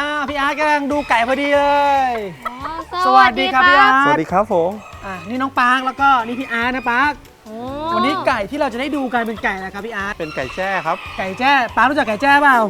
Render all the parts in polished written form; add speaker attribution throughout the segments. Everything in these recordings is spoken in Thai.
Speaker 1: พี่อาร์ตกำลังดูไก่พอดีเลย
Speaker 2: สวัสดีครับพี่อาร์ต
Speaker 3: สวัสดีครับผม
Speaker 1: นี่น้องปาร์คแล้วก็นี่พี่อาร์ตนะปาร์ควันนี้ไก่ที่เราจะได้ดูกันเป็นไก่นะครับพี่อาร์ต
Speaker 3: เป็นไก่แจ้ครับ
Speaker 1: ไก่แจ้ปาร์ครู้จักไก่แจ้เปล่า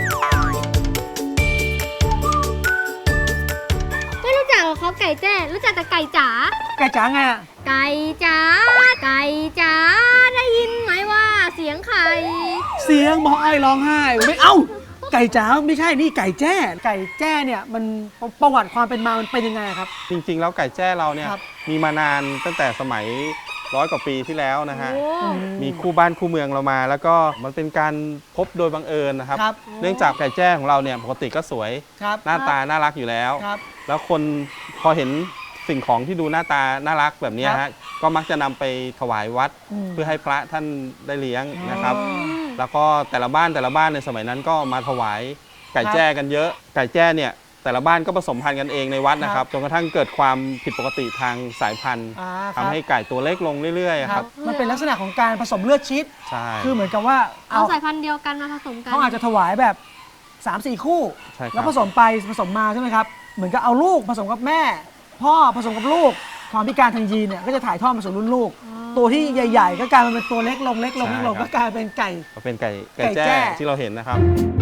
Speaker 2: ไม่รู้จักหรอครับไก่แจ้รู้จักแต่ไก่จ๋า
Speaker 1: ไก่จ๋าไงอะ
Speaker 2: ไก่จ๋าไก่จ๋าได้ยินไหมว่าเสียงไข่
Speaker 1: เสียงหมอไอ้ร้องไห้ไม่เอ้าไก่จ๋าไม่ใช่นี่ไก่แจ้ไก่แจ้เนี่ยมันประวัติความเป็นมามันเป็นยังไงครับ
Speaker 3: จริงๆแล้วไก่แจ้เราเนี่ย
Speaker 1: ครับ
Speaker 3: มีมานานตั้งแต่สมัย100 กว่าปีที่แล้วนะฮะ
Speaker 2: โอ้
Speaker 3: มีคู่บ้านคู่เมืองเรามา แล้วก็มันเป็นการพบโดยบังเอิญนะครับ
Speaker 1: ครับ
Speaker 3: เนื่องจากไก่แจ้ของเราเนี่ยปกติก็สวย
Speaker 1: ครับ
Speaker 3: หน้าตาน่ารักอยู่แล้ว
Speaker 1: ครับ
Speaker 3: แล้วคนพอเห็นสิ่งของที่ดูหน้าตาน่ารักแบบนี้
Speaker 1: ครั
Speaker 3: ฮะ
Speaker 1: บ
Speaker 3: ก็มักจะนำไปถวายวัด
Speaker 1: ม
Speaker 3: เพื่อให้พระท่านได้เลี้ยงนะครับ
Speaker 1: อ๋อ
Speaker 3: แล้วก็แต่ละบ้านในสมัยนั้นก็มาถวายไก่แจ้กันเยอะ ไก่แจ้เนี่ยแต่ละบ้านก็ผสมพันธุ์กันเองในวัดนะครับจนกระทั่งเกิดความผิดปกติทางสายพันธุ์
Speaker 1: ครับ
Speaker 3: ทำให้ไก่ตัวเล็กลงเรื่อยๆครับ
Speaker 1: มันเป็นลักษณะของการผสมเลือดชีส
Speaker 3: ใช่
Speaker 1: คือเหมือนกับว่า
Speaker 2: เอาสายพันธุ์เดียวกันมาผสมกัน
Speaker 1: เขาอาจจะถวายแบบ 3-4 คู่
Speaker 3: ใช่ค
Speaker 1: แล้
Speaker 3: รั
Speaker 1: ว
Speaker 3: บ
Speaker 1: ผสมไปผสมมาใช่ไหมครับ เหมือนกับเอาลูกผสมกับแม่ พ่อผสมกับลูก ความพิการทางยีนเนี่ยก็จะถ่ายทอดมาสู่รุ่นลูก ตัวที่ใหญ่ ๆ ก็กลายมาเป็นตัวเล็กลงเล็กลงเล็กลงก็กลายเป็นไก่
Speaker 3: ก็เป็นไก่
Speaker 1: ไก่แจ้
Speaker 3: แจ้ที่เราเห็นนะครับ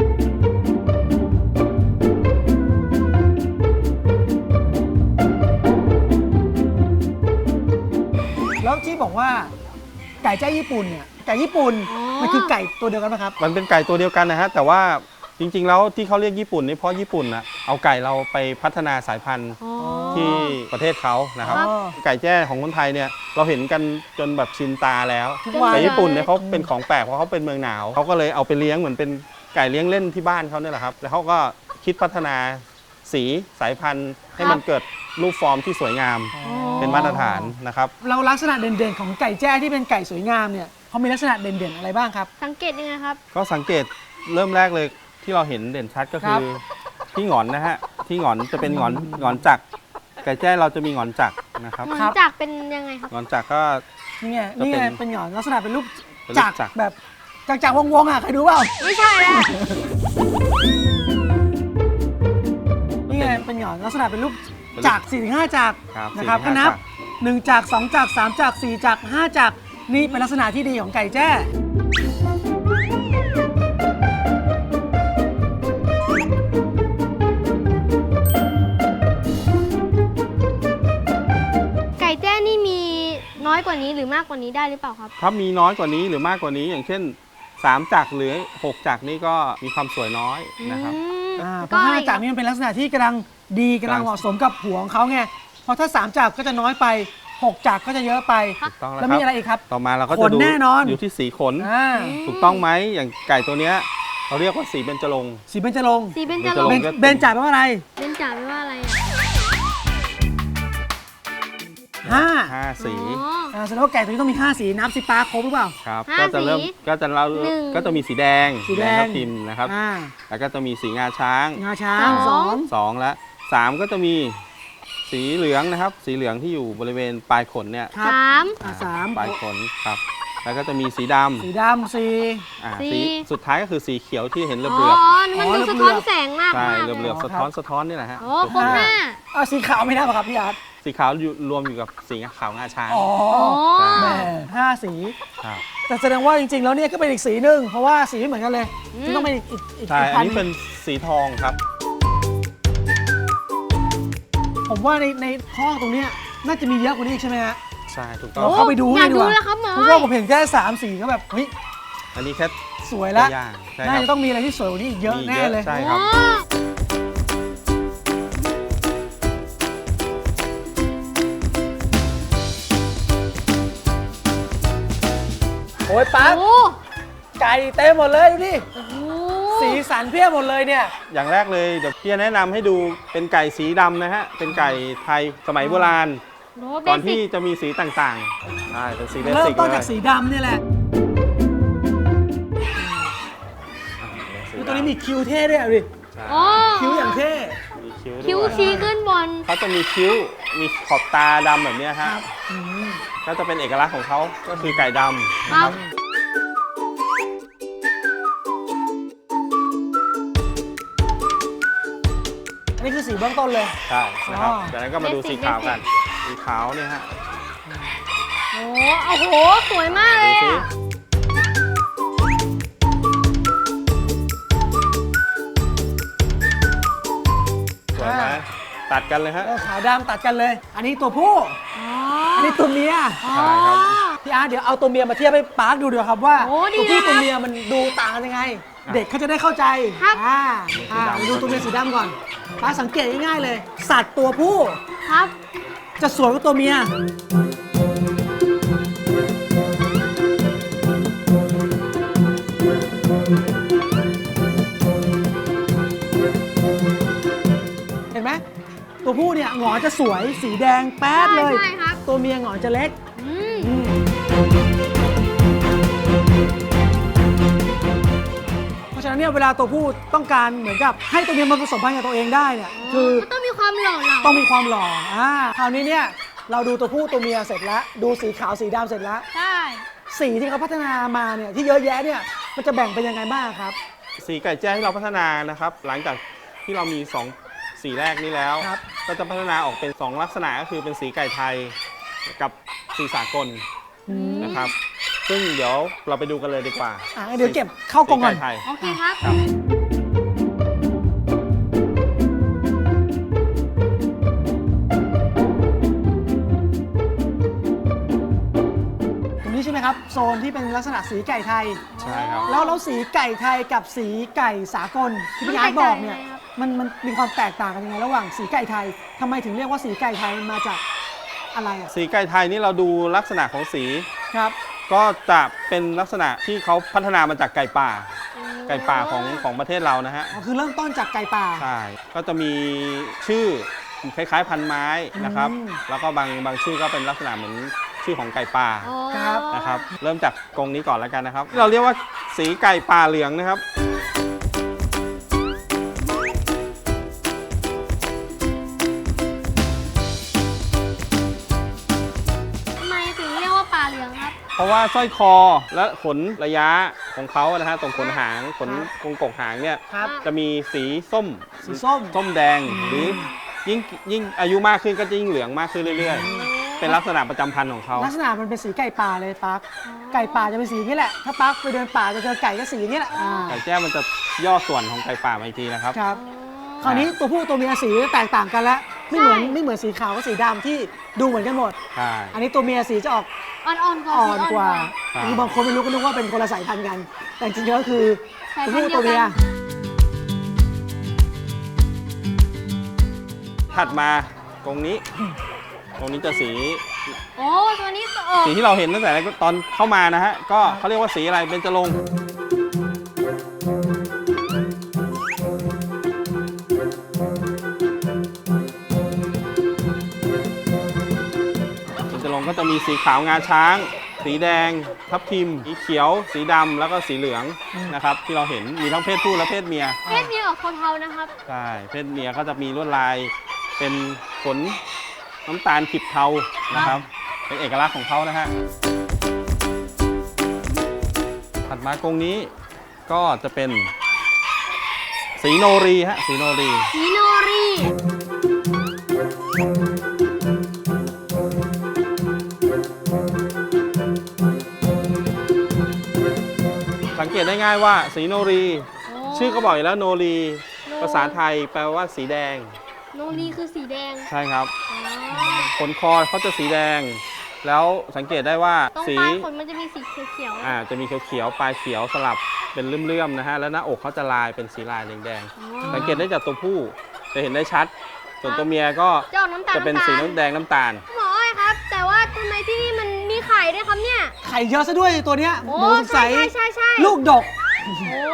Speaker 1: แล้วที่บอกว่าไก่แจ้ญี่ปุ่นเนี่ยไก่ญี่ปุ่นมันคือไก่ตัวเดียวกันไหมครับ
Speaker 3: มันเป็นไก่ตัวเดียวกันนะฮะแต่ว่าจริงๆแล้วที่เขาเรียกญี่ปุ่นนี่เพราะญี่ปุ่นนะเอาไก่เราไปพัฒนาสายพันธุ์
Speaker 2: อ๋อ
Speaker 3: ที่ประเทศเขานะครับ
Speaker 1: อ๋อ
Speaker 3: ไก่แจ้ของคนไทยเนี่ยเราเห็นกันจนแบบชินตาแล้ว
Speaker 1: ทุกวัน
Speaker 3: แต่ญี่ปุ่นเนี่ยเขาเป็นของแปลกเพราะเขาเป็นเมืองหนาวเขาก็เลยเอาไปเลี้ยงเหมือนเป็นไก่เลี้ยงเล่นที่บ้านเขาเนี่ยแหละครับแล้วเขาก็คิดพัฒนาสีสายพันธุ์ให้มันเกิดรูปฟอร์มที่สวยงามเป็นมาตรฐานนะครับ
Speaker 1: เราลักษณะเด่นๆของไก่แจ้ที่เป็นไก่สวยงามเนี่ยเขามีลักษณะเด่นๆอะไรบ้างครับ
Speaker 2: สังเกตยังไงครับ
Speaker 3: ก็สังเกตเริ่มแรกเลยที่เราเห็นเด่นชัดก็คือที่หงอนนะฮะที่หงอนจะเป็นหงอนจักรไก่แจ้เราจะมีหงอนจักรนะครับ
Speaker 2: เหมือนจากเป็นยังไงครับ
Speaker 3: หงอนจักรก็
Speaker 1: นี่ไง
Speaker 3: ก็
Speaker 1: นี่
Speaker 3: เป็น
Speaker 1: ไงเป็นหงอนลักษณะเป็นรูป
Speaker 3: เป็นรู
Speaker 1: จั
Speaker 3: ป
Speaker 1: กร
Speaker 3: จักร
Speaker 1: แบบจักรวงๆอ่ะเคยดูเปล่า
Speaker 2: ไม่ใช่แล้ว
Speaker 1: นี่ไงเป็นหงอนลักษณะเป็นรูปจักร4-5จักร
Speaker 3: ครับ
Speaker 1: นะครับ
Speaker 3: 4-5
Speaker 1: ก็นับ
Speaker 3: จักร
Speaker 1: 1จักร2จักร3จักร4จักร5จักรนี่เป็นลักษณะที่ดีของไก่แจ้
Speaker 2: ไก่แจ้นี่มีน้อยกว่านี้หรือมากกว่านี้ได้หรือเปล่าครับ
Speaker 3: ถ้ามีน้อยกว่านี้หรือมากกว่านี้อย่างเช่น3จักรหรือ6จักรนี่ก็มีความสวยน้อยนะครับ
Speaker 1: เพ
Speaker 2: ก็
Speaker 1: ราะ
Speaker 2: อะไร
Speaker 1: 5จักรนี่มันเป็นลักษณะที่กำลังดีกำลังเหมาะสมกับหัวของเขาไงเพราะถ้า3จักรก็จะน้อยไป6จักรก็จะเยอะไป
Speaker 3: ถูกต้องแล้ว
Speaker 1: แล้ว
Speaker 3: ครั
Speaker 1: มี
Speaker 3: บ
Speaker 1: อะไรอีกครับ
Speaker 3: ต่อมาเราก็
Speaker 1: ข
Speaker 3: จะ
Speaker 1: น
Speaker 3: ดู
Speaker 1: แน่นอน
Speaker 3: อยู่ที่สีขน
Speaker 1: อ่า
Speaker 3: ถูกต้องไหมอย่างไก่ตัวเนี้ยเราเรียกว่าสีเบญจรงค์
Speaker 1: สีเบญจรงค์
Speaker 2: สีเป็นจะ
Speaker 3: เบญจ
Speaker 2: ล
Speaker 3: รง
Speaker 2: ง
Speaker 3: ค์
Speaker 1: เบญจาแปลว่าอะไร
Speaker 2: เป็นจ่าไม่ว่าอะไรอ่ะ
Speaker 1: 5
Speaker 3: 5 สี
Speaker 2: อ๋อ
Speaker 1: แสดงว่าไก่ตัวนี้ต้องมี5สีนับสิปาครบหรือเปล่า
Speaker 3: ครับ
Speaker 2: ห้า
Speaker 3: ก็จะเริ่ม
Speaker 2: สี
Speaker 3: ก็จะเรา
Speaker 2: หนึ่ง
Speaker 3: ก็จะมีสีแดง
Speaker 1: สีแดง
Speaker 3: ทับทิมนะครับ
Speaker 1: อ่า
Speaker 3: แล้วก็จะมีสีงาช้าง
Speaker 1: งาช้าง2
Speaker 3: 2และ3ก็จะมีสีเหลืองนะครับ สีเหลืองที่อยู่บริเวณปลายขนเนี่ย
Speaker 1: ครับ
Speaker 2: สาม
Speaker 1: สาม
Speaker 3: ปลายขนครับ แล้วก็จะมีสีด
Speaker 1: สีดำสี่
Speaker 3: ำ
Speaker 2: สี
Speaker 3: สีสุดท้ายก็คือสีเขียวที่เห็นเหลื
Speaker 2: อ๋
Speaker 3: อบ
Speaker 2: มันดู
Speaker 1: อ๋อ
Speaker 2: สะท้อน
Speaker 1: เหลือบ
Speaker 2: แสงมาก
Speaker 3: ๆใช่
Speaker 2: มาก
Speaker 3: เหลือบๆ
Speaker 1: อ๋อ
Speaker 3: สะท้อนสะท้อนนี่แหละฮะ
Speaker 2: โอ้ครบห้า
Speaker 1: สีขาวไม่ได้ป่ะครับพี่อาร์ต
Speaker 3: สีขาวอยู่รวมอยู่กับสีขาวงาช้าง
Speaker 1: อ๋อ
Speaker 2: อ๋อ
Speaker 1: แหม่5 สี
Speaker 3: ครับ
Speaker 1: แต่แสดงว่าจริงๆแล้วเนี่ยก็เป็นอีกสีหนึ่งเพราะว่าสีไม่เหมือนกันเลยที่ต้องเป็นอีก
Speaker 3: ใช่
Speaker 1: พั
Speaker 3: อัน
Speaker 1: น
Speaker 3: นี้เป็นสีทองครับ
Speaker 1: ผมว่าในห้องตรงเนี้ยน่าจะมีเยอะกว่านี้อีกใช่ไหมฮะ
Speaker 3: ใช่ถูกต้อ
Speaker 1: เรา
Speaker 3: ง
Speaker 1: เข้าไปดู
Speaker 2: อยาก
Speaker 1: เลยดี
Speaker 2: ดู
Speaker 1: กว่า
Speaker 2: แล้วครับหมอ
Speaker 1: เพราะว่าผมเห็นแค่3 สีก็แบบเฮ้ย
Speaker 3: อันนี้แค่
Speaker 1: สวย
Speaker 3: ตั
Speaker 1: แล้ว
Speaker 3: วอย่างใช่
Speaker 1: น่า
Speaker 3: ครั
Speaker 1: จะ
Speaker 3: บ
Speaker 1: ต้องมีอะไรที่สวยกว่านี้อีกเยอะ
Speaker 3: มี
Speaker 1: แน่เลย
Speaker 3: ใช่ครับ
Speaker 2: โอ้
Speaker 1: โอ้ยปั๊บ
Speaker 2: โอ้
Speaker 1: ไก่เต็มหมดเลยดูดิ
Speaker 2: โห
Speaker 1: สีสันเพียบหมดเลยเนี่ย
Speaker 3: อย่างแรกเลยเดี๋ยวพี่จะแนะนำให้ดูเป็นไก่สีดำนะฮะ เป็นไก่ไทยสมัยโบราณ
Speaker 2: โหเบ
Speaker 3: ก่อน
Speaker 2: สิ
Speaker 3: ที่
Speaker 2: ก
Speaker 3: จะมีสีต่างๆ ใช่ เป็นสีเบ
Speaker 1: เริ่ม
Speaker 3: สิก
Speaker 1: ต้น
Speaker 3: เล
Speaker 1: จาก
Speaker 3: ย
Speaker 1: สีดำเนี่ยแหละดูตัวนี้มีคิ้วเท่ด้วยอ่ะดิ
Speaker 2: โอ้
Speaker 1: คิ้วอย่างเท่
Speaker 3: มีคิ้ว
Speaker 2: คิ้ว
Speaker 3: ด้วย
Speaker 2: ชี้ขึ้นบน
Speaker 3: เขาจะมีคิ้ว มีขอบตาดำแบบเนี้ยฮะ
Speaker 1: อืม
Speaker 3: ก็จะเป็นเอกลักษณ์ของเขาก็คือไก่ดำนะ
Speaker 2: ค
Speaker 3: ค
Speaker 2: รั
Speaker 3: รับ บ
Speaker 1: โอันนี้คือสีเบื้องต้นเลย
Speaker 3: ใช่นะครับ
Speaker 1: อ๋อ
Speaker 3: จากนั้นก็มาดูสีขาวกันสีขาวเนี่ยฮะ
Speaker 2: โอ้โห สวยมากเล
Speaker 3: ดู
Speaker 2: ย
Speaker 3: สิ
Speaker 2: อะ
Speaker 3: สวยไหมตัดกันเลยฮะ
Speaker 1: ขาวดำตัดกันเลย อันนี้ตัวผู้
Speaker 2: อ๋อ
Speaker 1: อันนี้ตัวเมีย
Speaker 3: ใช่ครับ
Speaker 1: พี่อาร์ตเดี๋ยวเอาตัวเมียมาเทียบให้ปาร์คดูเดี๋ยวครับว่า
Speaker 2: โอ้ดี
Speaker 1: ตัวผู้
Speaker 2: นะ
Speaker 1: ตัวเมียมันดูต่างกันยังไง เด็กเขาจะได้เข้าใจ
Speaker 2: ครับ
Speaker 1: ดูตัวเมียสีดำก่อนปาร์คสังเกตง่ายๆเลย สัตว์ตัวผู้
Speaker 2: ครับ
Speaker 1: จะสวยกว่าตัวเมีย เห็นไหมตัวผู้เนี่ยหงอนจะสวยสีแดงแป๊ดเลย
Speaker 2: ใช่ครับ
Speaker 1: ตัวเมียหงอนจะเล็ก
Speaker 2: อืม
Speaker 1: เพราะฉะนั้นเนี่ยเวลาตัวผู้ต้องการเหมือนกับให้ตัวเมียมาผสมพันธุ์กับตัวเองได้เนี่ยคือ
Speaker 2: มันต้องมีความหล่อเหลา
Speaker 1: ต้องมีความหล่อคราวนี้เนี่ยเราดูตัวผู้ตัวเมียเสร็จแล้ว ดูสีขาวสีดำเสร็จแล้ว
Speaker 2: ใช่
Speaker 1: สีที่เขาพัฒนามาเนี่ยที่เยอะแยะเนี่ยมันจะแบ่งเป็นยังไงบ้างครับ
Speaker 3: สีไก่แจ้ที่เราพัฒนานะครับ หลังจากที่เรามี2สีแรกนี้แล้ว
Speaker 1: ครับ
Speaker 3: ก็จะพัฒนาออกเป็น 2 ลักษณะก็คือเป็นสีไก่ไทยกับสีสากลนะครับ ซึ่งเดี๋ยวเราไปดูกันเลยดีกว่า
Speaker 1: เดี๋ยวเก็บเข้ากล่องก่อน
Speaker 3: สีไไทย
Speaker 2: โอเคครับ
Speaker 3: ครับ
Speaker 1: ตรงนี้ใช่ไหมครับโซนที่เป็นลักษณะสีไก่ไทย
Speaker 3: ใช่ครับ
Speaker 1: แล้วสีไก่ไทยกับสีไก่สากลที่พี่อาร์ตบอกเนี่ย
Speaker 2: มันแตกต่างยังไงครับ
Speaker 1: มันมีความแตกต่างกันยังไงระหว่างสีไก่ไทยทำไมถึงเรียกว่าสีไก่ไทยมันมาจากอะไรอ่ะ
Speaker 3: สีไก่ไทยนี่เราดูลักษณะของสี
Speaker 1: ครับ
Speaker 3: ก็จะเป็นลักษณะที่เขาพัฒนามาจากไก่ป่า ไก่ป่าของประเทศเรานะฮะ
Speaker 1: คือเริ่มต้นจากไก่ป่า
Speaker 3: ใช่ ก็จะมีชื่อคล้ายๆ พันไม้นะครับ
Speaker 1: อืม
Speaker 3: แล้วก็บางชื่อก็เป็นลักษณะเหมือนชื่อของไก่ป่า
Speaker 2: อ๋อ
Speaker 1: ครับ
Speaker 3: นะครับ เริ่มจากกรงนี้ก่อนแล้วกันนะครับ เราเรียกว่าสีไก่ป่าเหลืองนะครับ
Speaker 2: ทำไมถึงเรียกว่าปลาเหลืองครับ
Speaker 3: เพราะว่าสร้อยคอและขนระยะของเขานะฮะตรงขนหางขนกรงกกหางเนี่ย
Speaker 1: ครับ
Speaker 3: จะมีสีส้ม
Speaker 1: สีส้ม
Speaker 3: ส้มแดงหรือยิ่งอายุมากขึ้นก็จะยิ่งเหลืองมากขึ้นเรื่อยๆ เป็นลักษณะประจำพันธุ์ของเขา
Speaker 1: ลักษณะมันเป็นสีไก่ป่าเลยปาร์คไก่ป่าจะเป็นสีอย่างนี้แหละ ถ้าปาร์คไปเดินป่าจะเจอไก่ก็สีอย่างนี้แหละ
Speaker 3: ไก่แจ้มันจะย่อส่วนของไก่ป่ามาอีกทีนะครับ
Speaker 1: ครับ คราวนี้ตัวผู้ตัวเมียสีแตกต่างกันแล้วไม่เหมือนสีขาวกับสีดำที่ดูเหมือนกันหมด
Speaker 3: ใช่
Speaker 1: อันนี้ตัวเมียสีจะออก
Speaker 2: อ่อนๆกว่า
Speaker 1: อ่อนกว่า
Speaker 3: ใช่
Speaker 1: คือบางคนไม่รู้ก็นึกว่าเป็นคนละสายพันธุ์กัน แต่จริงๆก็คือ
Speaker 2: สาย
Speaker 1: ตัว
Speaker 2: พัน
Speaker 1: ผู้
Speaker 2: ธุ์เดี
Speaker 1: ตั
Speaker 2: ยว ว
Speaker 1: เมี
Speaker 2: กั
Speaker 1: ย
Speaker 2: น
Speaker 3: ถัดมากรงนี้จะสี
Speaker 2: โอ้ตัวนี้จะออก
Speaker 3: สีที่เราเห็นตั้งแต่ตอนเข้ามานะฮะ ก็เขาเรียกว่าสีอะไรเบญจรงค์เบญจรงค์ก็จะมีสีขาวงาช้าง สีแดง ทับทิม สีเขียว สีดำแล้วก็สีเหลืองนะครับ ที่เราเห็นมีทั้งเพศผู้และเพศเมีย
Speaker 2: เพศเมียออกเทาๆนะครับ
Speaker 3: ใช่ เพศเมียก็จะมีลวดลายเป็นขนน้ำตาลขีดเทานะครับ เป็นเอกลักษณ์ของเขานะฮะ ถัดมากรงนี้ก็จะเป็นสีโนรีฮะ สีโนรี
Speaker 2: สีโนรี
Speaker 3: สังเกตได้ง่ายว่าสีโนรี
Speaker 2: โอ้
Speaker 3: ชื่อก็บอกอยู่แล้วโนรี
Speaker 2: โน
Speaker 3: ภาษาไทยแปลว่าสีแดง
Speaker 2: โนรีคือสีแดง
Speaker 3: ใช่ครับ
Speaker 2: อ๋อ
Speaker 3: ขนคอเขาจะสีแดง แล้วสังเกตได้ว่า
Speaker 2: ตรง
Speaker 3: สี
Speaker 2: ปลายขนมันจะมีสีเขียวๆ
Speaker 3: จะมีเขียวๆ ปลายเขียวสลับเป็นเลื่อมๆ นะฮะ แล้วหน้าอกเขาจะลายเป็นสีลายแดง
Speaker 2: อ๋อ
Speaker 3: ๆ สังเกตได้จากตัวผู้จะเห็นได้ชัด ส่วนตัวเมียก็
Speaker 2: จะออกน้ำตาล
Speaker 3: จะเป็นสีน้ำแดงน้ำตาล
Speaker 2: หมออ้อยครับ แต่ว่าทำไมที่นี่มันมีไข่ด้วยครับเนี่ย
Speaker 1: ไข่เยอะซะด้วยตัวเนี้ย
Speaker 2: โอ้
Speaker 1: หมูสงสัย
Speaker 2: ใช่
Speaker 1: ลูกดก
Speaker 2: โอ้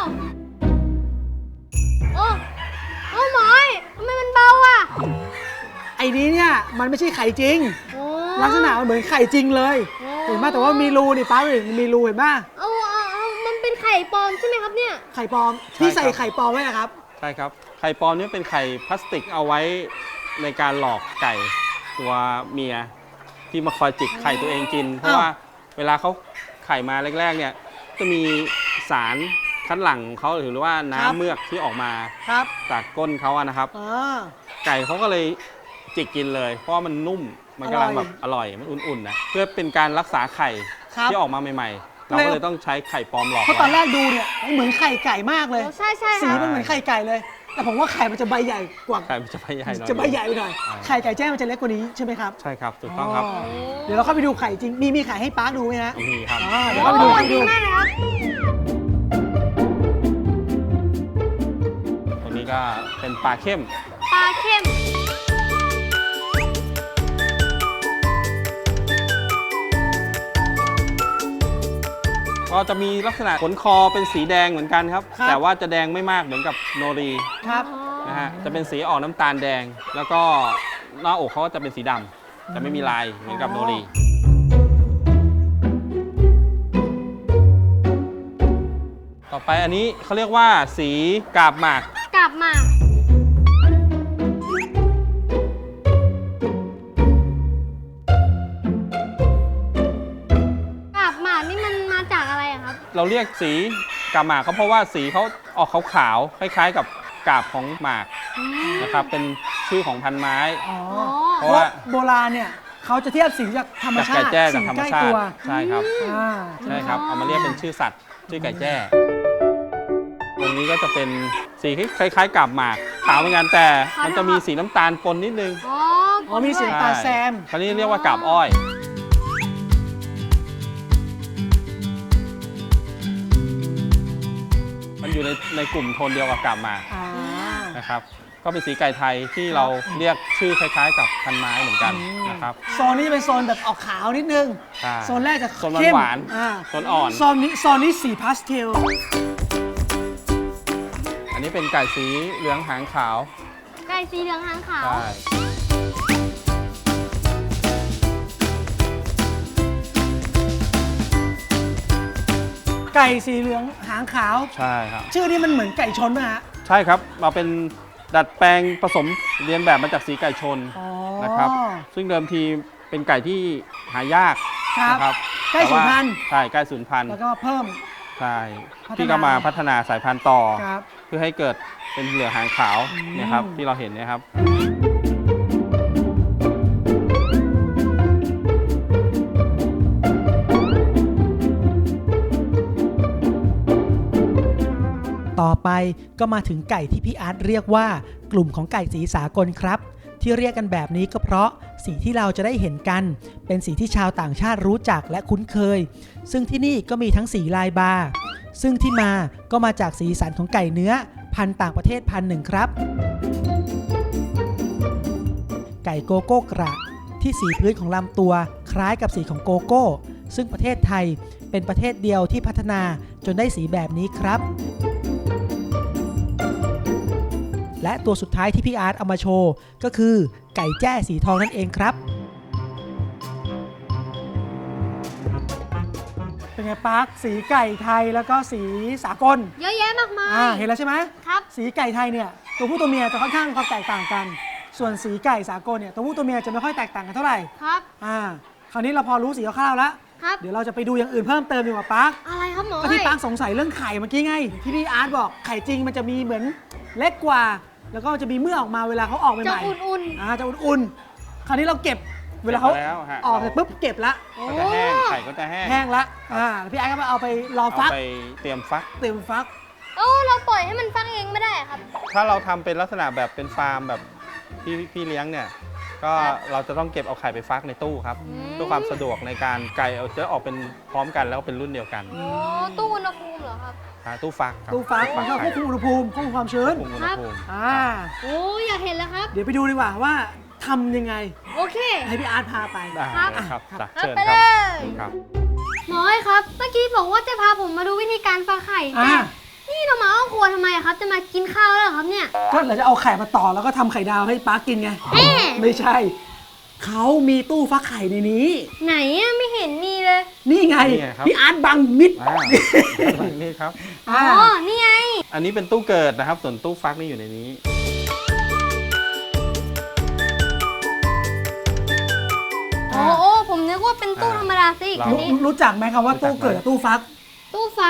Speaker 2: โอ้โอ้หมออ้อยทำไมมันเบาอ่ะ
Speaker 1: ไอ้นี้เนี่ยมันไม่ใช่ไข่จริง
Speaker 2: โอ้
Speaker 1: ลักษณะมันเหมือนไข่จริงเลย
Speaker 2: โอ้
Speaker 1: เห็นไหมแต่ว่ามีรูนี่ป้าเลยมีรูเห็นไหม
Speaker 2: เอามันเป็นไข่ปลอมใช่ไหมครับเนี่ย
Speaker 1: ไข่ปลอม
Speaker 3: ใช่
Speaker 1: ที่ใส่
Speaker 3: ครับ
Speaker 1: ไข่ปลอมไว้นะครับ
Speaker 3: ใช่ครับ ไข่ปลอมนี่เป็นไข่พลาสติกเอาไว้ในการหลอกไก่ตัวเมียที่มาคอยจิกไข่ตัวเองกิน เพราะ
Speaker 1: อ้าว
Speaker 3: ว่าเวลาเขาไข่มาแรกๆเนี่ยจะมีสารคัดหลั่งเขาหรือว่า
Speaker 1: ครับ
Speaker 3: น้ำเมือกที่ออกมา
Speaker 1: ครับ
Speaker 3: จากก้นเขาอะนะครับ
Speaker 1: อ่า
Speaker 3: ไก่เขาก็เลยจิกกินเลย เพราะว่ามันนุ่มมันกำลังแบบอร่อยมันอุ่นๆนะเพื่อเป็นการรักษาไข่
Speaker 1: ครับ
Speaker 3: ที่ออกมาใหม่ๆ เราก็เลยต้องใช้ไข่ปลอมหลอก
Speaker 1: เพราะตอนแร
Speaker 3: ไว้
Speaker 1: กดูเนี่ยเหมือนไข่ไก่มากเลย
Speaker 2: โอ้ใช่ใช่ค
Speaker 1: สี
Speaker 2: รับ
Speaker 1: มันเหมือนไข่ไก่เลย แต่ผมว่าไข่มันจะใบใหญ่กว่า
Speaker 3: ไข่มันจะใบใหญ่หน่อย
Speaker 1: จะใบใหญ่ไปหน่อย
Speaker 3: อ่า
Speaker 1: ไข่ไก่แจ้มันจะเล็กกว่านี้ใช่ไหมครับ
Speaker 3: ใช่ครับถูกต้องครับ
Speaker 1: เดี๋ยวเราเข้าไปดูไข่จริง มีไข่ให้ป๊าดูไหมฮะ
Speaker 3: นี่ครับ
Speaker 1: เดี๋ยว
Speaker 2: โอ้
Speaker 1: เข้าไปดู
Speaker 2: ดีมากเลยครับ
Speaker 3: ตรงนี้ก็เป็นปลาเข้ม
Speaker 2: ปลาเข้ม
Speaker 3: ก็จะมีลักษณะขนคอเป็นสีแดงเหมือนกันครับ
Speaker 1: ครับ
Speaker 3: แต่ว่าจะแดงไม่มากเหมือนกับโนรี
Speaker 1: ครับ
Speaker 3: นะฮะจะเป็นสีออกน้ำตาลแดง แล้วก็หน้าอกเขาก็จะเป็นสีดำจะไม่มีลายเหมือนกับโนรี ต่อไปอันนี้เขาเรียกว่าสีกาบหมาก
Speaker 2: กลับมา กลับมานี่มันมาจากอะไรอะครับ
Speaker 3: เราเรียกสีกาบหมากก็เพราะว่าสีเขาออกขาวๆคล้ายๆกับกาบของหมากนะครับเป็นชื่อของพันไม้
Speaker 1: อ๋อ
Speaker 3: เพ
Speaker 1: เพ
Speaker 3: ราะ
Speaker 1: ราะ
Speaker 3: ว่า
Speaker 1: โบราณเนี่ยเขาจะเทียบสีจากธรรม
Speaker 3: จาก
Speaker 1: ชา
Speaker 3: ไก่
Speaker 1: ติ
Speaker 3: แจ้
Speaker 1: สี
Speaker 3: จากธรรม
Speaker 1: ใกล้
Speaker 3: ชา
Speaker 1: ตั
Speaker 3: ติ
Speaker 1: ว
Speaker 3: ใช่ครับ
Speaker 1: อ่า
Speaker 3: ใช่ครับเอามาเรียกเป็นชื่อสัตว์ชื่อไก่แจ้ตรงนี้ก็จะเป็นสีคล้ายๆกาบหมากขาวเหมือนกันแต่มันจะมีสีน้ำตาลปนนิดนึง
Speaker 2: อ๋อ
Speaker 1: อ๋อมีสี
Speaker 2: ด้วย
Speaker 1: น้ำตาลแซม
Speaker 3: คราวนี้เรียกว่ากาบอ้อย มันอยู่ในกลุ่มโทนเดียวกับกาบหมาก
Speaker 1: อ่า
Speaker 3: นะครับ ก็เป็นสีไก่ไทยที่เราเรียกชื่อคล้ายๆ กับพันไม้เหมือนกันนะครับ
Speaker 1: โซนนี้จะเป็นโซนแบบออกขาวนิดนึง
Speaker 3: ใช่
Speaker 1: โซนแรกจะ
Speaker 3: โซน
Speaker 1: เข้ม
Speaker 3: หวาน
Speaker 1: อ่า
Speaker 3: ๆโซนอ่อน
Speaker 1: โซนนี้สีพาสเทล
Speaker 3: อันนี้เป็นไก่สีเหลืองหางขาว
Speaker 2: ไก่สีเหลืองหางขาว
Speaker 3: ใช่
Speaker 1: ไก่สีเหลืองหางขาว
Speaker 3: ใช่ครับ
Speaker 1: ชื่อนี้มันเหมือนไก่ชนไหมฮะ
Speaker 3: ใช่ครับมาเป็นดัดแปลงผสมเรียนแบบมาจากสีไก่ชน
Speaker 1: อ๋อ
Speaker 3: นะครับ ซึ่งเดิมทีเป็นไก่ที่หายาก
Speaker 1: ครับ
Speaker 3: นะครับ
Speaker 1: ใกล้สูญพันธุ์
Speaker 3: ใช่ใกล้สูญพันธุ์
Speaker 1: แล้วก็เพิ่ม
Speaker 3: ใช่
Speaker 1: พัฒนา
Speaker 3: ที่ก็มาพัฒนาสายพันธุ์ต่อ
Speaker 1: ครับ
Speaker 3: เพื่อให้เกิดเป็นเหลืองหางขาวเนะครับที่เราเห็นเนะครับ
Speaker 1: ต่อไปก็มาถึงไก่ที่พี่อาร์ตเรียกว่ากลุ่มของไก่สีสากลครับ ที่เรียกกันแบบนี้ก็เพราะสีที่เราจะได้เห็นกัน เป็นสีที่ชาวต่างชาติรู้จักและคุ้นเคย ซึ่งที่นี่ก็มีทั้งสีลายบาร์ซึ่งที่มาก็มาจากสีสันของไก่เนื้อพันธุ์ต่างประเทศพันธุ์หนึ่งครับ ไก่โกโก้กระที่สีพื้นของลำตัวคล้ายกับสีของโกโก้ ซึ่งประเทศไทยเป็นประเทศเดียวที่พัฒนาจนได้สีแบบนี้ครับ และตัวสุดท้ายที่พี่อาร์ตเอามาโชว์ก็คือไก่แจ้สีทองนั่นเองครับ เป็นไงปาร์คสีไก่ไทยแล้วก็สีสากล
Speaker 2: เยอะแยะมากมาย
Speaker 1: เห็นแล้วใช่ไหม
Speaker 2: ครับ
Speaker 1: สีไก่ไทยเนี่ยตัวผู้ตัวเมียจะค่อนข้างความแตกต่างกัน ส่วนสีไก่สากลเนี่ยตัวผู้ตัวเมียจะไม่ค่อยแตกต่างกันเท่าไหร่
Speaker 2: ครับ
Speaker 1: คราวนี้เราพอรู้สีคร่าวๆแล้ว
Speaker 2: ครับ
Speaker 1: เดี๋ยวเราจะไปดูอย่างอื่นเพิ่มเติมดีกว่าปาร์ค
Speaker 2: อะไรครับหมอ
Speaker 1: ก็ที่ปาร์คสงสัยเรื่องไข่เมื่อกี้ไงที่พี่อาร์ตบอกไข่จริงมันจะมีเหมือนเล็กกว่า แล้วก็จะมีเมื่อกออกมาเวลาเขาออกใหม่
Speaker 2: จะ
Speaker 1: ๆ
Speaker 2: อุ่น
Speaker 1: จะอุ่นๆ คราวนี้เราเก็บเวลาเขา
Speaker 3: เก็บแล้วฮะ
Speaker 1: ออกเสร็จปุ๊บเก็บละ
Speaker 2: ๆ โอ้
Speaker 3: ก็จะแห้งไข่ก็จะแห้ง
Speaker 1: แห้งละพี่ไอ้ก็มาเอาไปรอ
Speaker 3: เอา
Speaker 1: ฟัก
Speaker 3: ไปเตรียมฟัก
Speaker 1: เต็มฟัก
Speaker 2: โอ้เราปล่อยให้มันฟักเองไม่ได้ครับ
Speaker 3: ถ้าเราทำเป็นลักษณะแบบเป็นฟาร์มแบบพี่เลี้ยงเนี่ยก็เราจะต้องเก็บเอาไข่ไปฟักในตู้ครับ
Speaker 2: อืม
Speaker 3: เพื่อความสะดวกในการไก่เอาจะออกเป็นพร้อมกันแล้วเป็นรุ่นเดียวกัน
Speaker 2: โอ้ตู้อุณหภูมิเหรอครับ
Speaker 3: ตู้ฟักครับ
Speaker 1: ตู้ฟักมันก็ควบคุมอุณหภูมิควบคุมความชื้น
Speaker 3: ควบคุมอุณหภูมิ
Speaker 2: โอ้อยากเห็นแล้วครับ
Speaker 1: เดี๋ยวไปดูดีกว่าว่าทำยังไง
Speaker 2: โอเค
Speaker 1: ให้พี่อาร์ตพาไป
Speaker 3: ได้
Speaker 2: ครับ
Speaker 3: เลยครับ
Speaker 1: ครับ
Speaker 3: เชิญ
Speaker 2: ไป
Speaker 3: ค
Speaker 2: เล
Speaker 3: รับ
Speaker 2: ย
Speaker 3: ครับ
Speaker 2: หมอครับ เมื่อกี้บอกว่าจะพาผมมาดูวิธีการฟักไข่แต่นี่เรามาเอาครัวทำไมอะครับ จะมากินข้าวแล้วเหรอครับเนี่ย
Speaker 1: ก็เราจะเอาไข่มาต่อแล้วก็ทำไข่ดาวให้ป้ากินไง
Speaker 2: เอ๊ะ
Speaker 1: ไม่ใช่ เขามีตู้ฟักไข่ในนี้
Speaker 2: ไหนอะไม่เห็นมีเลย
Speaker 1: นี่ไง
Speaker 3: นี่ไงครับ
Speaker 1: พี่อาร์ตบังมิด
Speaker 3: นี่ครับ
Speaker 2: อ๋อ นี่ไง
Speaker 3: อันนี้เป็นตู้เกิดนะครับ ส่วนตู้ฟักนี่อยู่ในนี้
Speaker 2: โอ้โอ้ผมนึกว่าเป็นตู้ธรรมดาซะอีกอันนี้
Speaker 1: รู้จักไหมคำว่าตู้เกิดกับตู้ฟัก
Speaker 2: ตู้ฟัก ตู้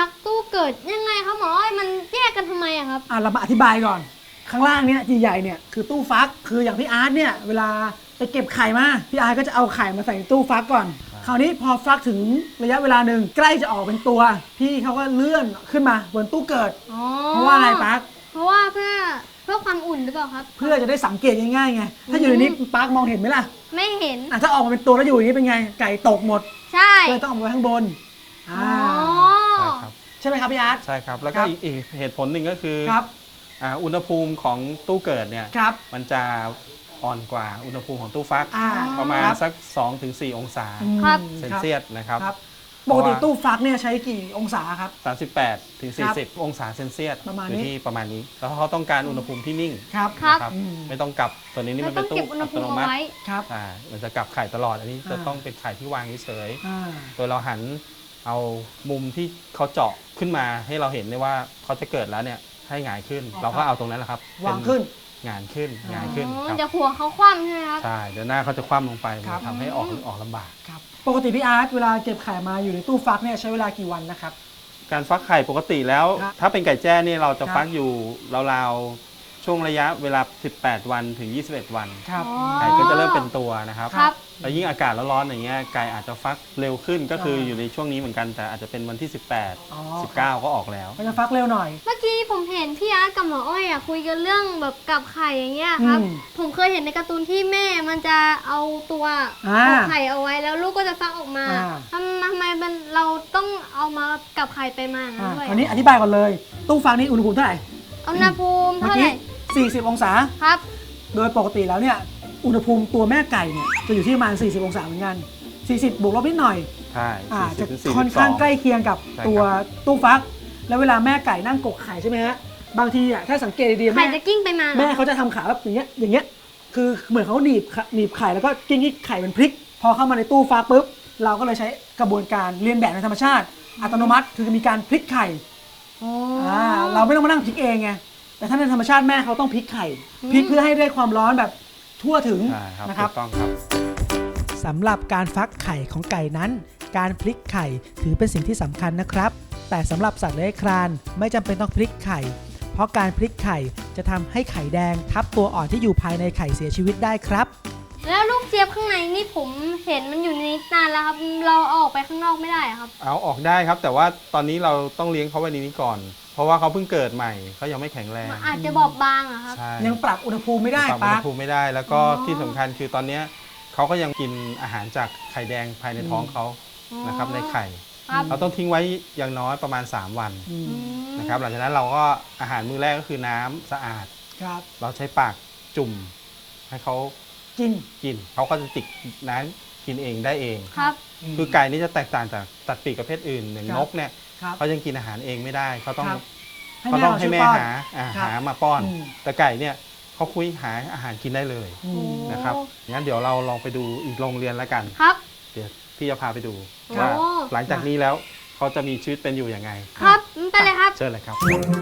Speaker 2: เกิดยังไงครับหมออ้อยมันแยกกันทำไมอะครับ
Speaker 1: เรามาอธิบายก่อน ข้างล่างเนี้ยใหญ่ๆเนี่ยคือตู้ฟักคืออย่างพี่อาร์ตเนี่ยเวลาไปเก็บไข่มาพี่อาร์ตก็จะเอาไข่มาใส่ในตู้ฟักก่อนคราวนี้พอฟักถึงระยะเวลาหนึ่งใกล้จะออกเป็นตัว พี่เขาก็เลื่อนขึ้นมาบนตู้เกิด
Speaker 2: อ๋อ
Speaker 1: เพราะว่าอะไรปัก
Speaker 2: เพราะว่าเพื่อความอุ่นหรือเปล่าครับ
Speaker 1: เพื่อจะได้สังเกตง่ายๆไงถ้าอยู่ในนี้ปักมองเห็นไหมล่ะ
Speaker 2: ไม่เห็น
Speaker 1: ถ้าออกมาเป็นตัวแล้วอยู่อย่างนี้เป็นไงไก่ตกหมด
Speaker 2: ใช่
Speaker 1: ก็เลยต้องเอามาไว้ข้างบน
Speaker 2: อ๋อ
Speaker 3: ครับ
Speaker 1: ใช่ไหมครับพี่อาร์ต
Speaker 3: ใช่ครับ แล้ว
Speaker 1: ค
Speaker 3: ก็
Speaker 1: รับ
Speaker 3: อีกเหตุผลหนึ่งก็คือ
Speaker 1: ครับ
Speaker 3: อุณหภูมิของตู้เกิดเนี่ย
Speaker 1: ครับ
Speaker 3: มันจะอ่อนกว่าอุณหภูมิของตู้ฟัก ประมาณ
Speaker 1: ครับ
Speaker 3: สัก 2-4 องศา
Speaker 2: ครับ
Speaker 3: เซนเซียสนะครับ
Speaker 1: ครับปกติตู้ฟักเนี่ยใช้กี่องศาครับ
Speaker 3: 38 ถึง
Speaker 1: ครับ
Speaker 3: 40 องศาเซนเซียส
Speaker 1: ประมาณ
Speaker 3: อยู่
Speaker 1: นี้
Speaker 3: ที่ประมาณนี้ แล้วเขาต้องการอุณหภูมิที่นิ่ง
Speaker 1: ครับ
Speaker 2: ครับ
Speaker 3: นะครับ
Speaker 1: อืม
Speaker 3: ไม่ต้องกลับตัวนี้นี่
Speaker 2: ไม่
Speaker 3: มัน
Speaker 2: ต้
Speaker 3: เป็
Speaker 2: อน ง
Speaker 3: ตู้
Speaker 2: เก็บอุณห
Speaker 3: อั
Speaker 2: ภู
Speaker 3: ต
Speaker 2: มิ
Speaker 3: โน
Speaker 2: เอา
Speaker 3: มัติ
Speaker 2: ไว้
Speaker 1: ครับ
Speaker 3: มันจะกลับไข่ตลอดอันนี้จะ
Speaker 1: อ่า
Speaker 3: ต้องเป็นไข่ที่วางเฉย
Speaker 1: อ่า
Speaker 3: ๆโดยเราหันเอามุมที่เขาเจาะขึ้นมาให้เราเห็นได้ว่าเขาจะเกิดแล้วเนี่ยให้หงายขึ้น เราก็เอาตรงนั้นแหละครับ
Speaker 1: วางขึ้น
Speaker 3: หงายขึ้นหงายขึ้น
Speaker 2: อ๋อ
Speaker 3: ครับ
Speaker 2: เดี๋ยวหัวเขาคว่ำใช่ไหมครับ
Speaker 3: ใช่เดี๋ยวหน้าเขาจะคว่ำลงไป
Speaker 1: ครับ
Speaker 3: ทำให้ออกลำบาก
Speaker 1: ครับปกติพี่อาร์ตเวลาเก็บไข่มาอยู่ในตู้ฟักเนี่ยใช้เวลากี่วันนะครับ
Speaker 3: การฟักไข่ปกติแล้ว
Speaker 1: ครับ
Speaker 3: ถ้าเป็นไก่แจ้นี่เราจะ
Speaker 1: ครับ
Speaker 3: ฟักอยู่ราวๆช่วงระยะเวลา 18 วันถึง 21 วัน
Speaker 1: ครับ
Speaker 2: อ๋อ
Speaker 3: ไก่ก็จะเริ่มเป็นตัวนะครับ
Speaker 2: ครับ
Speaker 3: แล้วยิ่งอากาศร้อนๆอย่างเงี้ยไก่อาจจะฟักเร็วขึ้นก็คืออยู่ในช่วงนี้เหมือนกันแต่อาจจะเป็นวันที่
Speaker 1: อ๋อ
Speaker 3: 18 19 ก็ออกแล้ว
Speaker 1: ก็จะฟักเร็วหน่อย
Speaker 2: เมื่อกี้ผมเห็นพี่อาร์ตกับหมออ้อยคุยกันเรื่องแบบกับไข่อย่างเงี้ยครับ
Speaker 1: อืม
Speaker 2: ผมเคยเห็นในการ์ตูนที่แม่มันจะเอาตัว
Speaker 1: อ่า
Speaker 2: เอาไข่เอาไว้แล้วลูกก็จะฟักออกมา
Speaker 1: อ่า
Speaker 2: ทำไมมันเราต้องเอามากับไข่ไปมาอย่างนั้นด้วย
Speaker 1: คราวนี้อธิบายก่อนเลย ตู้ฟักนี่อุณหภูมิเท่าไหร่
Speaker 2: อุณหภูมิ
Speaker 1: เมื่อ
Speaker 2: เท่าไห
Speaker 1: กี้
Speaker 2: ร่
Speaker 1: 40 องศา
Speaker 2: ครับ
Speaker 1: โดยปกติแล้วเนี่ยอุณหภูมิตัวแม่ไก่เนี่ยจะอยู่ที่ประมาณ 40 องศาเหมือนกัน 40 บวกลบนิดหน่อย
Speaker 3: ใช่
Speaker 1: จะ
Speaker 3: 40ถึง
Speaker 1: ค่อนข้างใกล้
Speaker 3: 42
Speaker 1: เคียงกับ
Speaker 3: ใช่ครับ
Speaker 1: ตัวตู้ฟัก แล้วเวลาแม่ไก่นั่งกกไข่ใช่ไหมฮะ บางทีอ่ะถ้าสังเกตดีๆ
Speaker 2: ไข่
Speaker 1: แม่
Speaker 2: จะกิ้งไปมาเหรอ
Speaker 1: แม่เขาจะทำขาแบบอย่างเงี้ย คือเหมือนเขาหนีบไข่แล้วก็กิ้งให้ไข่เป็นพลิก พอเข้ามาในตู้ฟักปุ๊บ เราก็เลยใช้กระบวนการเรียนแบบในธรรมชาติ อัตโนมัติ คือมีการพลิกไข่
Speaker 2: อ๋อ
Speaker 1: เราไม่ต้องมานั่งพลิกเองไง แต่ถ้าในธรรมชาติแม่เขาต้องพลิกไข่ พลิกเพื่อให้ได้ความร้อนแบบทั่วถึง
Speaker 3: ใช่ครับ
Speaker 1: นะครับ
Speaker 3: ถูกต้องครับ
Speaker 1: สำหรับการฟักไข่ของไก่นั้น การพลิกไข่ถือเป็นสิ่งที่สำคัญนะครับ แต่สำหรับสัตว์เลื้อยคลานไม่จำเป็นต้องพลิกไข่ เพราะการพลิกไข่จะทำให้ไข่แดงทับตัวอ่อนที่อยู่ภายในไข่เสียชีวิตได้ครับ
Speaker 2: แล้วลูกเจี๊ยบข้างในนี่ผมเห็นมันอยู่ในนี้นานแล้วครับ เราเอาออกไปข้างนอกไม่ได้อะครับ
Speaker 3: เอาออกได้ครับ แต่ว่าตอนนี้เราต้องเลี้ยงเขาไว้ในนี้ก่อน เพราะว่าเขาเพิ่งเกิดใหม่เขายังไม่แข็งแรง
Speaker 2: มันอาจจะบอบบางอะครับ
Speaker 3: ใช่
Speaker 1: ยังปรับอุณหภูมิไม่ได้
Speaker 3: ปรับอุ
Speaker 1: ปะ
Speaker 3: ณหภูมิไม่ได้แล้วก็
Speaker 2: อ๋อ
Speaker 3: ที่สำคัญคือตอนเนี้ยเขาก็ยังกินอาหารจากไข่แดงภายในท้องเขานะครับในไข่
Speaker 2: ครับ
Speaker 3: เราต้องทิ้งไว้อย่างน้อยประมาณ 3 วัน
Speaker 1: อืม
Speaker 2: อืม
Speaker 3: นะครับหลังจากนั้นเราก็อาหารมื้อแรกก็คือน้ำสะอาด
Speaker 1: ครับ
Speaker 3: เราใช้ปากจุ่มให้เขา
Speaker 1: กิน
Speaker 3: กินเขาก็จะจิกน้ำกินเองได้เอง
Speaker 2: ครับ
Speaker 3: คือไก่นี่จะแตกต่างจากสัตว์ปีกประเภทอื่นอย่าง
Speaker 1: ครับ
Speaker 3: นกเนี่ย
Speaker 1: ครับ
Speaker 3: เขายังกินอาหารเองไม่ได้เขาต้อง
Speaker 1: ครับ
Speaker 3: เขาต้องให้แม่
Speaker 1: ช่วยป้อน
Speaker 3: หามาป้อน
Speaker 1: อืม
Speaker 3: แต่ไก่เนี่ยเขาคุยหาอาหารกินได้เลย
Speaker 1: อืม
Speaker 3: นะครับงั้นเดี๋ยวเราลองไปดูอีกโรงเรียนแล้วกัน
Speaker 2: ครับ
Speaker 3: เดี๋ยวพี่จะพาไปดู
Speaker 2: โอ้
Speaker 3: ว่าหลังจากนี้แล้วเขาจะมีชีวิตเป็นอยู่ยังไง
Speaker 2: ครับไปเลยครับ
Speaker 3: เชิญเลยครับ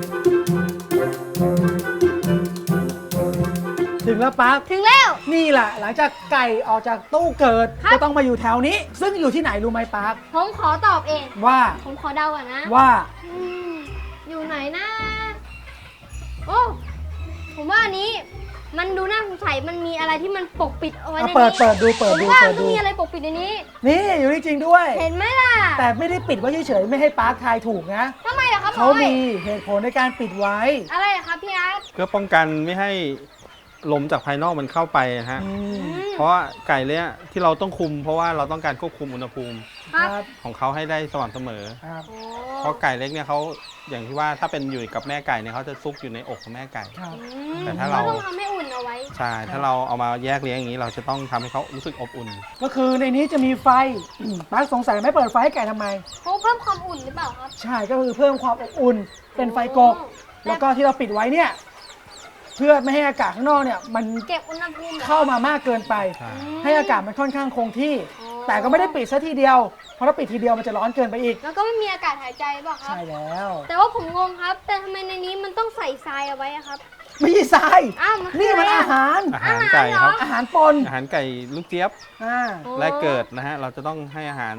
Speaker 1: ถึงแล้วปั๊บ
Speaker 2: ถึงแล้ว
Speaker 1: นี่แหละหลังจากไก่ออกจากตู้เกิด
Speaker 2: ครับ
Speaker 1: ก็ต้องมาอยู่แถวนี้ ซึ่งอยู่ที่ไหนรู้ไหมปั๊บ
Speaker 2: ผมขอตอบเอง
Speaker 1: ว่า
Speaker 2: ผมขอเดาก่อนนะ
Speaker 1: ว่า
Speaker 2: อืมอยู่ไหนนะ โอ้ ผมว่าอันนี้ มันดูน่าสงสัย มันมีอะไรที่มันปกปิดเอาไว้ในนี้
Speaker 1: เปิดดู
Speaker 2: ผมว่ามันต้องมีอะไรปกปิดในนี้
Speaker 1: นี่อยู่นี่จริงด้วย
Speaker 2: เห็นไหมล่ะ
Speaker 1: แต่ไม่ได้ปิดไว้เฉยๆไม่ให้ปั๊บทายถูกนะ
Speaker 2: ทำไมล่ะครับหม
Speaker 1: เขา
Speaker 2: ออ้อย
Speaker 1: มีเหตุผลในการปิดไว้
Speaker 2: อะไรล่ะครับพี่อาร์ต
Speaker 3: เพื่อป้องกันไม่ให้ลมจากภายนอกมันเข้าไปนะฮะ
Speaker 1: อืม
Speaker 3: เพราะว่าไก่เนี่ยที่เราต้องคุม เพราะว่าเราต้องการควบคุมอุณหภูมิ
Speaker 2: ครับ
Speaker 3: ของเขาให้ได้สม่ำเสมอ
Speaker 1: ครับ
Speaker 2: โอ้
Speaker 3: เพราะไก่เล็กเนี่ยเขาอย่างที่ว่าถ้าเป็นอยู่กับแม่ไก่เนี่ยเขาจะซุกอยู่ในอกของแม่ไก่
Speaker 1: ครับ
Speaker 2: อืม
Speaker 3: แต่ถ้าเรา
Speaker 2: ต้องทำให้อุ่นเอาไว้
Speaker 3: ใช่ ถ้าเราเอามาแยกเลี้ยงอย่างนี้เราจะต้องทำให้เขารู้สึกอบอุ่น
Speaker 1: ก็คือในนี้จะมีไฟปั๊บสงสัยไม่เปิดไฟให้ไก่ทำไม
Speaker 2: เพราะเพิ่มความอุ่นหรือเปล่าครับ
Speaker 1: ใช่ก็คือเพิ่มความอบอุ่นเป็นไฟกก
Speaker 2: โอ้
Speaker 1: แล้วก็ที่เราปิดไว้เนี่ยเพื่อไม่ให้อากาศข้างนอกเนี่ยมัน
Speaker 2: เก็บอุณหภูมิหรอ
Speaker 1: เข้ามามากเกินไป
Speaker 3: ใช่
Speaker 1: ให้อากาศมันค่อนข้างคงที่
Speaker 2: อ๋อ
Speaker 1: แต่ก็ไม่ได้ปิดซะทีเดียว เพราะถ้าปิดทีเดียวมันจะร้อนเกินไปอีก
Speaker 2: แล้วก็ไม่มีอากาศหายใจเปล่าครับ
Speaker 1: ใช่แล้ว
Speaker 2: แต่ว่าผมงงครับ แต่ทำไมในนี้มันต้องใส่ทรายเอาไว้อะครับ
Speaker 1: ไม่ใช่ทราย
Speaker 2: อ้าวมันคือ
Speaker 1: นี่มัน
Speaker 2: อะไร
Speaker 1: อา
Speaker 2: อะ
Speaker 1: หาร
Speaker 3: อาหารไก่ครับ
Speaker 1: อาหารปน
Speaker 3: อาหารไก่ลูกเจี๊ยบ
Speaker 1: อ่า
Speaker 2: โอ้
Speaker 3: แรกเกิดนะฮะเราจะต้องให้อาหาร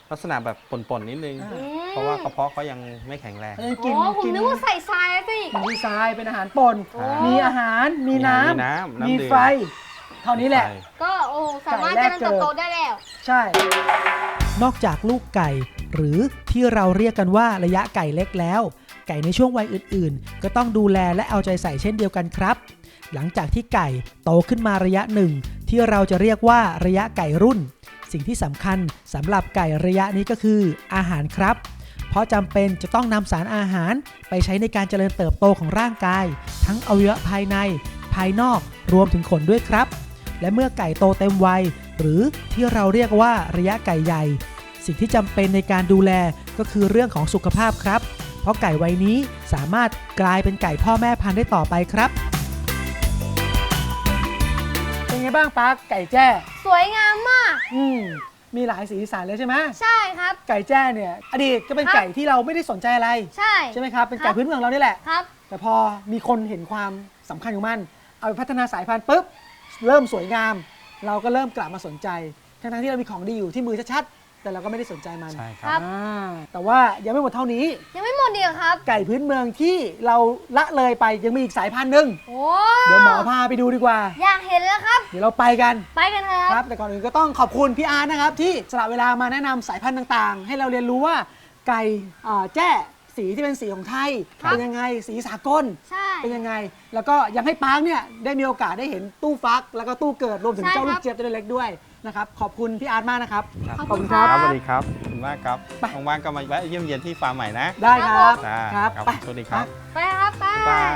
Speaker 3: ลักษณะแบบป่นๆนิดนึง
Speaker 1: อ่า
Speaker 3: เพราะว่ากระเพาะเขายังไม่แข็งแรง
Speaker 1: กิน
Speaker 2: อ๋อผม
Speaker 1: กิน
Speaker 2: นึกว่าใส่ทรายสิ
Speaker 1: มีทรายเป็นอาหารป่น
Speaker 3: โอ้
Speaker 1: มีอาหารมีน้
Speaker 3: มีน้ำ
Speaker 1: ำ
Speaker 3: น้ำ
Speaker 1: มี
Speaker 3: ดื่ม
Speaker 1: ไฟ เท่านี้แหละ
Speaker 2: ก็โอ้สามารถ
Speaker 1: ไก่
Speaker 2: เจ
Speaker 1: แรก
Speaker 2: ริญเติบโต
Speaker 1: เกิด
Speaker 2: ได้แล้ว
Speaker 1: ใช่ นอกจากลูกไก่ หรือที่เราเรียกกันว่าระยะไก่เล็กแล้ว ไก่ในช่วงวัยอื่นๆ ก็ต้องดูแลและเอาใจใส่เช่นเดียวกันครับ หลังจากที่ไก่โตขึ้นมาระยะหนึ่งที่เราจะเรียกว่าระยะไก่รุ่น สิ่งที่สำคัญสำหรับไก่ระยะนี้ก็คืออาหารครับ เพราะจำเป็นจะต้องนำสารอาหารไปใช้ในการเจริญเติบโตของร่างกาย ทั้งอวัยวะภายใน ภายนอกรวมถึงขนด้วยครับ และเมื่อไก่โตเต็มวัยหรือที่เราเรียกว่าระยะไก่ใหญ่ สิ่งที่จำเป็นในการดูแลก็คือเรื่องของสุขภาพครับ เพราะไก่วัยนี้สามารถกลายเป็นไก่พ่อแม่พันธุ์ได้ต่อไปครับ เป็นไงบ้างปั๊กไก่แจ้
Speaker 2: สวยงามมาก
Speaker 1: มีหลายสีสันเลยใช่ไหม
Speaker 2: ใช่ครับ
Speaker 1: ไก่แจ้เนี่ยอดีตก็เป็น
Speaker 2: ครับ
Speaker 1: ไก่ที่เราไม่ได้สนใจอะไร
Speaker 2: ใช่
Speaker 1: ใช่ไหมครับเป็น
Speaker 2: ค
Speaker 1: ไก่
Speaker 2: รับ
Speaker 1: พื้นเมืองเรานี่แหละ
Speaker 2: ครับ
Speaker 1: แต่พอมีคนเห็นความสำคัญของมัน เอาไปพัฒนาสายพันธุ์ปุ๊บเริ่มสวยงาม เราก็เริ่มกลับมาสนใจทั้งๆที่เรามีของดีอยู่ที่มือชัดๆแต่เราก็ไม่ได้สนใจมัน
Speaker 3: ใช่ค
Speaker 2: ครั
Speaker 3: รับ
Speaker 2: บ
Speaker 1: แต่ว่ายังไม่หมดเท่านี้
Speaker 2: ยังไม่หมดดีกครับ
Speaker 1: ไก่พื้นเมืองที่เราละเลยไปยังมีอีกสายพันธุ์หนึ่ง
Speaker 2: โอ้
Speaker 1: เดี๋ยวหมอพาไปดูดีกว่า
Speaker 2: อยากเห็นแล้วครับ
Speaker 1: เดี๋ยวเราไปกัน
Speaker 2: ไปกันเลยค
Speaker 1: ค
Speaker 2: รั
Speaker 1: รับ บแต่ก่อนอื่นก็ต้องขอบคุณพี่อาร์ตนะครับที่สละเวลามาแนะนำสายพันธุ์ต่างๆ ให้เราเรียนรู้ว่าไก่แจ้สีที่เป็นสีของไทย
Speaker 2: ครับ
Speaker 1: เป็นยังไงสีสากล
Speaker 2: ใช่
Speaker 1: เป็นยังไง แล้วก็ยังให้ปาร์คเนี่ยได้มีโอกาสได้เห็นตู้ฟัก แล้วก็ตู้เกิดรวมถึง
Speaker 2: ใช่
Speaker 1: เจ้าลู
Speaker 2: ครั
Speaker 1: ก
Speaker 2: บ
Speaker 1: เจี๊ยบตัวเล็กๆด้วยนะครับขอบคุณพี่อาร์ตมากนะครับ
Speaker 2: ขอบ
Speaker 1: ขอบ
Speaker 2: คุ
Speaker 1: คุณ
Speaker 2: ณ
Speaker 1: ค
Speaker 2: ค
Speaker 1: รั
Speaker 2: รับ บ
Speaker 3: สวัสดีครับขอบคุณมากครับ
Speaker 1: ไป
Speaker 3: ว่างๆก็มาแวะเยี่ยมเยียนที่ฟาร์มใหม่นะ
Speaker 1: ได้ครับ
Speaker 3: จ้า
Speaker 1: ครับ
Speaker 3: ครับ
Speaker 1: ไป
Speaker 3: สวัสดีครับ
Speaker 2: ไปครับไป
Speaker 3: บ๊ายบาย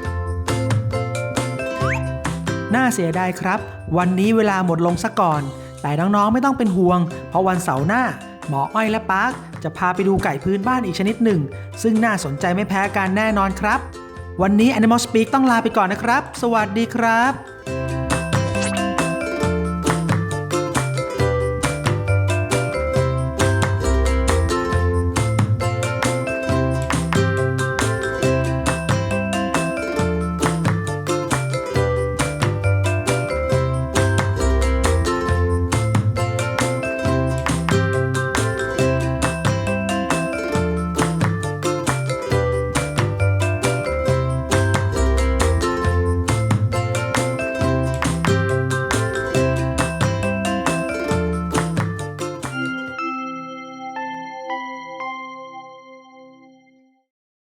Speaker 1: น่าเสียดายครับ วันนี้เวลาหมดลงซะก่อน แต่น้องๆไม่ต้องเป็นห่วง เพราะวันเสาร์หน้า หมออ้อยและปาร์คจะพาไปดูไก่พื้นบ้านอีกชนิดหนึ่ง ซึ่งน่าสนใจไม่แพ้กันแน่นอนครับ วันนี้ Animal Speak ต้องลาไปก่อนนะครับ สวัสดีครับ